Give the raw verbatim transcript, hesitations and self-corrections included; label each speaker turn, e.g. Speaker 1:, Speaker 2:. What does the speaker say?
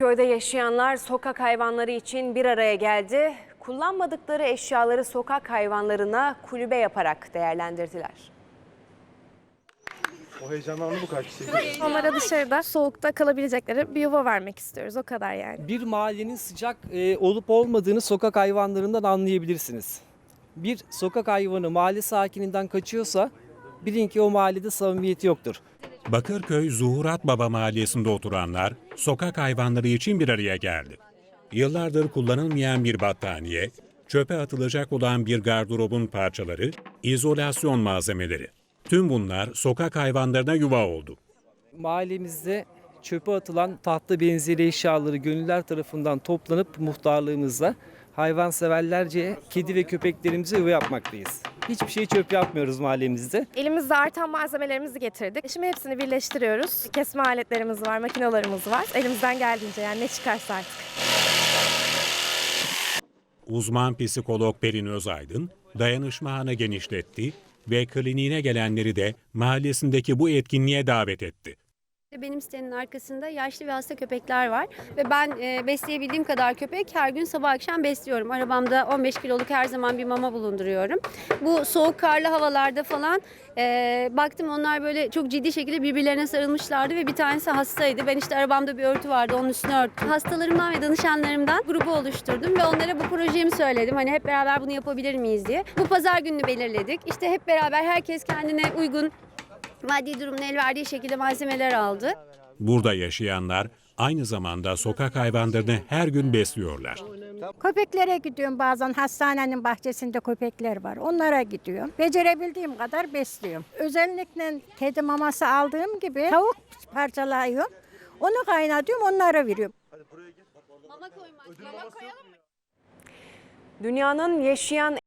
Speaker 1: Köyde yaşayanlar sokak hayvanları için bir araya geldi. Kullanmadıkları eşyaları sokak hayvanlarına kulübe yaparak değerlendirdiler.
Speaker 2: O heyecanlandı bu kadar kişi.
Speaker 3: Onlara dışarıda soğukta kalabilecekleri bir yuva vermek istiyoruz. O kadar yani.
Speaker 4: Bir mahallenin sıcak e, olup olmadığını sokak hayvanlarından anlayabilirsiniz. Bir sokak hayvanı mahalle sakininden kaçıyorsa bilin ki o mahallede samimiyeti yoktur.
Speaker 5: Bakırköy Zuhurat Baba Mahallesi'nde oturanlar sokak hayvanları için bir araya geldi. Yıllardır kullanılmayan bir battaniye, çöpe atılacak olan bir gardırobun parçaları, izolasyon malzemeleri. Tüm bunlar sokak hayvanlarına yuva oldu.
Speaker 4: Mahallemizde çöpe atılan tahta benzeri eşyaları gönüller tarafından toplanıp muhtarlığımızla hayvanseverlerce kedi ve köpeklerimize yuva yapmaktayız. Hiçbir şey çöp yapmıyoruz mahallemizde.
Speaker 3: Elimizde artan malzemelerimizi getirdik. Şimdi hepsini birleştiriyoruz. Kesme aletlerimiz var, makinalarımız var. Elimizden geldiğince yani ne çıkarsa artık.
Speaker 5: Uzman psikolog Pelin Özaydın dayanışma ağını genişletti ve kliniğine gelenleri de mahallesindeki bu etkinliğe davet etti.
Speaker 6: Benim sitenin arkasında yaşlı ve hasta köpekler var ve ben e, besleyebildiğim kadar köpek her gün sabah akşam besliyorum. Arabamda on beş kiloluk her zaman bir mama bulunduruyorum. Bu soğuk karlı havalarda falan e, baktım onlar böyle çok ciddi şekilde birbirlerine sarılmışlardı ve bir tanesi hastaydı. Ben işte arabamda bir örtü vardı, onun üstüne örttüm. Hastalarımdan ve danışanlarımdan grubu oluşturdum ve onlara bu projemi söyledim. Hani hep beraber bunu yapabilir miyiz diye. Bu pazar gününü belirledik. İşte hep beraber herkes kendine uygun maddi durumun el verdiği şekilde malzemeler aldı.
Speaker 5: Burada yaşayanlar aynı zamanda sokak hayvanlarını her gün besliyorlar.
Speaker 7: Köpeklere gidiyorum, bazen hastanenin bahçesinde köpekler var. Onlara gidiyorum. Becerebildiğim kadar besliyorum. Özellikle kedi maması aldığım gibi tavuk parçalıyorum. Onu kaynatıyorum, onlara veriyorum.
Speaker 6: Mama koymak, mama koyalım mı?
Speaker 1: Dünyanın yaşayan